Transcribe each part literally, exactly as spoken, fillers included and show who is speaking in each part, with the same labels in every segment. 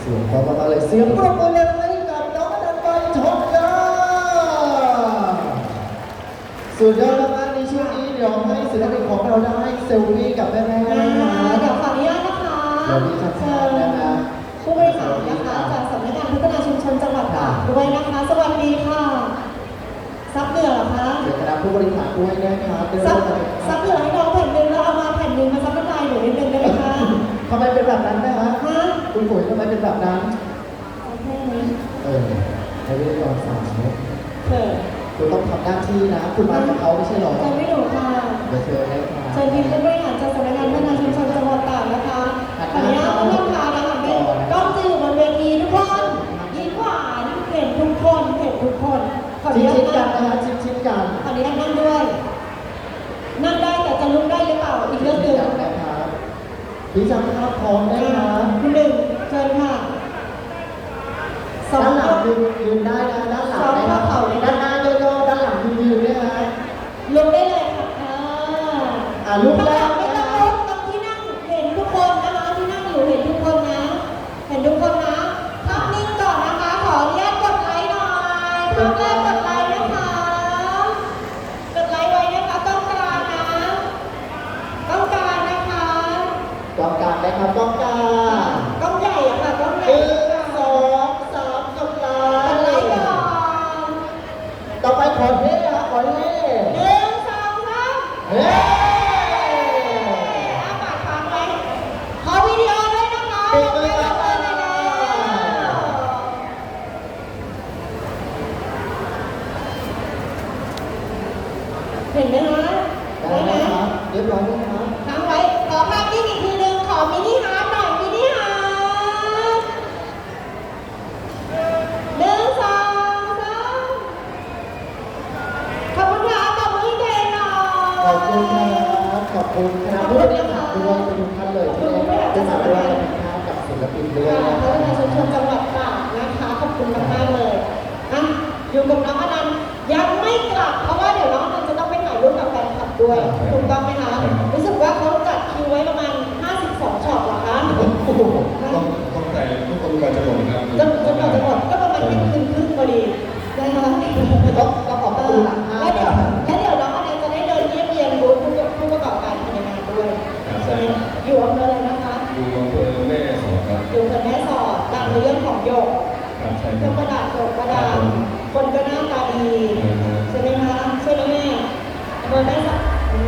Speaker 1: สียงพอมาเลยเสียงปรบมือเลยให้กับน้องอนันต์ปันทองจ้าสุดยอดมากๆในช่วงนี้เดี๋ยวให้ศิลปินของเราได้เซลฟี่กับแม่ๆนะคะ
Speaker 2: เดี๋ยวขออนุญาตนะคะ
Speaker 1: เดี๋ยวพี่จะเชิญนะคะ
Speaker 2: ผู้บริหารนะคะจากสำนักงานพัฒนาชุมชนจังหวัดตากด้วยนะคะสวัสดีค่ะซับเหนือเหรอคะ
Speaker 1: เดี๋ยวคณะผู้บริหารด้วยนะคะ
Speaker 2: ซับซับเหนือให้น้องแผ่นหนึ่งแล้วเอามาแผ่นหนึ่งมาซับน้ำลายหนูนิดนึงได้ไหมคะ
Speaker 1: ทำไมเป็นแบบนั้นนะคะ
Speaker 2: ฮะ
Speaker 1: คุณปุ๋ยทำไมเป็นแบบนั้น
Speaker 2: แค่นี้
Speaker 1: เออให้เรียกตอนสามเนาะ
Speaker 2: เถิด
Speaker 1: คุณต้องทำหน้าที่นะคุณมากับเขาไม่ใช่หรอ
Speaker 2: เชิญไม่หนูค่ะ
Speaker 1: เดี๋ยวเชิญเลยค่ะ
Speaker 2: เชิญทีมผู้บริหารจากสำนักงานพัฒนาชุมชนจังหวัดตากนะคะขออนุญาตท่านประธานนะคะเป็นกล้องจะอยู่บนเวทีทุกคนยิ้มหวานเห็นทุกคนเห็นทุกคนขออนุญาต
Speaker 1: ชิดๆกันนะคะชิดๆกัน
Speaker 2: ขออนุญาตนั่งด้วยนั่งได้แต่จะลุกได้หรือเปล่าอีกเรื่องหนึ่ง
Speaker 1: นะครับพี่จำภาพพร้อมได้ไหม
Speaker 2: คุณหนึ่งเชิญค่ะ
Speaker 1: ด้านหลังยืนยืนได้นะด้านหลังได้นะด้านหน้าโยโย่ด้านหลังยืนยืนได้ไหม
Speaker 2: ลุกได้เลยค่ะ
Speaker 1: อ่าลุกแล้ว
Speaker 2: ไม่ต้องลุกตรงที่นั่งเห็นทุกคนนะคะที่นั่งอยู่เห็นทุกคนนะเห็นทุกคนนะภาพนิ่งก่อนนะคะขออนุญาตกดไลค์หน่อยภาพแรกกดไลค์นะคะกดไลค์ไว้นะคะต้องการนะต้องการนะคะ
Speaker 1: ต้องการนะครับต้องการ
Speaker 2: ต้องใหญ่อะค่ะต้องใหญ่
Speaker 1: สองสามกดไลค์ต่อไปขอเท่ครับขอเท่
Speaker 2: หนึ่งสองสาม
Speaker 1: เฮ้
Speaker 2: อาปากค้างไว้ขอวิดีโอด้วยนะคะ
Speaker 1: ปิดเลยครับ
Speaker 2: เห็นไหมคะ
Speaker 1: ได้ไหมครับเรียบร้อยไหมครับ
Speaker 2: ค้างไว้ขอภาพนิ่งอีกทีหนึ่งขอมินิฮาร์ทหน่อยมินิฮาร์ทหนึ่งสองสามขอบคุณค่ะขอบคุณที่เก่งหน่อย
Speaker 1: ขอบคุณครับขอบคุณคณะผู้บริหารด้วยทุกท่านเลยที่ได้มาด้วยนะครับกับศิลปินด้วยนะ
Speaker 2: พัฒนาชุมชนจังหวัดตากนะคะขอบคุณมากๆเลยอ่ะอยู่กับน้องอนันต์ยังไม่กลับเพราะว่าเดี๋ยวน้องอนันต์จะต้องไปถ่ายรูปกับแฟนคลับด้วยถูกต้องไหมคะรู้สึกว่าเขาจัดคิวไว้ประมาณห้าสิบสองช็อตเหรอคะ
Speaker 3: ต้องต้องใจทุกคนก่อนจะหมดครับ
Speaker 2: จนจนก่อนจะหมดก็ประมาณเที่ยงคืนครึ่งพอดีนะคะ
Speaker 1: ต้องต้องขอบคุณหลังห้า
Speaker 2: แล้วเดี๋ยวแล้วเดี๋ยวน้องอนันต์จะได้เดินเยี่ยมเยียนบูธผู้ประกอบการภายในงานด้วยอยู่อำเภออะไรนะคะ
Speaker 3: อยู่อำเภอแม่สอดครับ
Speaker 2: อยู่อำเภอแม่สอดดังในเรื่องของโยกเครื่องประดับโยกประดับคนก็หน้าตาดีใช่ไหมคะใช่ไหมแม่อำเภอแม่สอด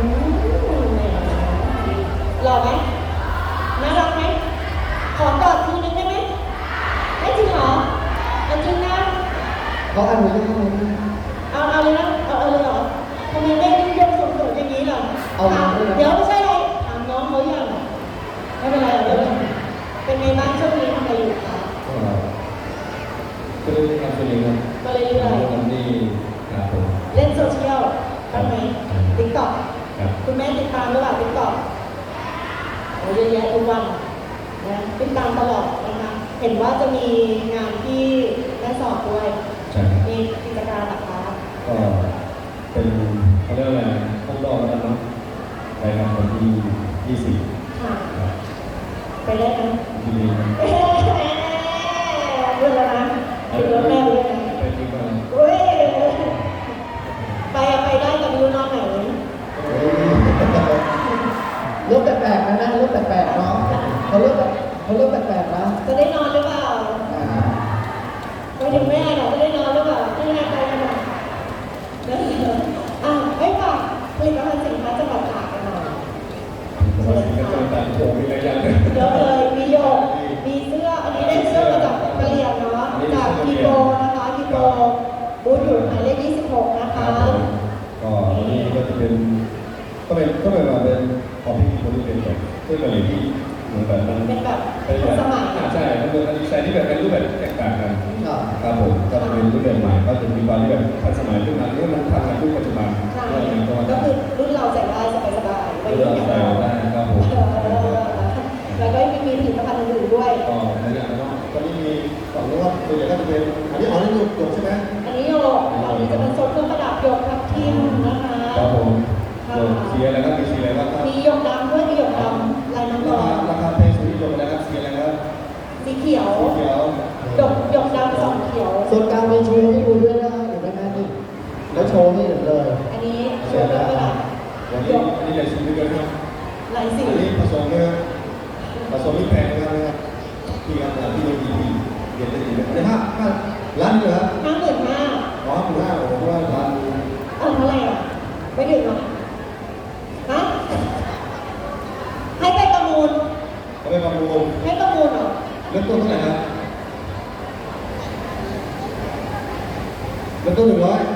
Speaker 2: หล่อไหมน่ารักไหมขอกอดทีนึงได้ไหมไม่จริงเหรอเอาจริงนะ
Speaker 1: เขาอนุญาตไหม
Speaker 2: เอาเอาเลยนะเอาเอาเลยเหรอทำไมแม่ยิ่งยกสูงๆอย่างนี้ล่ะเดี๋ยวไม่ใช่ไรถามน้องเขาอย่างไม่เป็นไรหรอกเป็นไงบ้างช่วงนี้ทำอะไรอยู่คะ
Speaker 3: ก็เล่นงานตัวเองครับ
Speaker 2: ก็เรื่อย
Speaker 3: ๆทำนี่ครับผม
Speaker 2: เล่นโซเชียลบ้างไหมติ๊กต็อกคุณแม่ติดตามหรือเปล่าติ๊กต็อกโอ้เยอะแยะทุกวันนะติดตามตลอดนะคะเห็นว่าจะมีงานที่แม่สอบด้วยมีกิจการหลักคะ
Speaker 3: ก็เป็นเขาเรียกอะไรต้องรอกันเนาะไปงานวันที่ยี่สิบ
Speaker 2: ค่ะไปได้ไหม
Speaker 3: ที่นี่นะ
Speaker 2: เรื่องแล้วนะเรื่องแม่เลยนะ
Speaker 3: ไปที่บ้าน
Speaker 2: เฮ้ยไปไปได้กับยูนอนไหน
Speaker 1: เรื่องแปลกๆนะนะเรื่องแปลกๆเนาะเขาเรื่องเขาเรื่องแปลกๆนะ
Speaker 2: จะได้นอนหรือเปล่าไปถึงแม่เหรอจะได้นอนหรือเปล่าที่แม่ไปกันหน่อยอ่ะให้ฝากผลิตภัณฑ์สินค้าจังหวัดตากกันหน่อย
Speaker 3: เชิญค่ะเ
Speaker 2: ยอะเลยมีโยกมีเสื้ออันนี้ได้เสื้อมาจากกะเหรี่ยงเนาะจากกิโกนะคะกิโกบูธอยู่หมายเลขยี่สิบหกนะคะ
Speaker 3: ก็วันนี้ก็จะเป็นก็เป็นก็เป็นมาเป็นของพี่คนที่เป็นแบบเสื้อกะเหรี่ยงที่เหมือนแบบมัน
Speaker 2: เป็นแบบสมัย
Speaker 3: ใช่มันเป็นดีไซน์ที่แบบเป็นรูปแบบแตกต่างกันครับผมก็จะเป็นรูปแบบใหม่ก็จะมีความที่แบบทันสมัยขึ้นมาที่มันทันกับยุคปัจจุบัน
Speaker 2: ก็คือรุ่นเราใส่ได้สบายๆไป
Speaker 3: รุ่นเราใส่ได้ครับผม
Speaker 2: แล้วก็มีผลิตภัณฑ์อื่นๆด้วย
Speaker 3: ก็ในเรื่องแล้วก็นี่มีฝั่งนู้นว่าตัวใหญ่ก็จะเป็นอันนี้อ๋อนี่หยกหยกใช่ไหม
Speaker 2: อันนี้หยกฝั่งนี้จะเป็นโซนเครื่องประดับหยกทับทิมนะคะ
Speaker 3: ครับผมสีอะไรครับมีสีอะไรบ้างครับ
Speaker 2: มีหยกดำด้วยมีหยกดำลายน้ำร้อน
Speaker 3: ราคาเพลงสีหยกอะไรครับสีอะไรครับ
Speaker 2: สีเขียว
Speaker 3: สีเขียวที่มีทีเรียนได้ดีในห้าห้าล้านเลยครับ
Speaker 2: ห้าหมื่นห้า
Speaker 3: อ๋อคุณห้าโอ้โหว่าล้าน
Speaker 2: เอาเท่าไหร่อ่ะไม่ถึงหรอฮะให้ไปประมูล
Speaker 3: เขาไปประมูล
Speaker 2: ให้ประมูลเหรอ
Speaker 3: เริ่มต้นเท่าไหร่ครับเริ่มต้นหนึ่งร้อย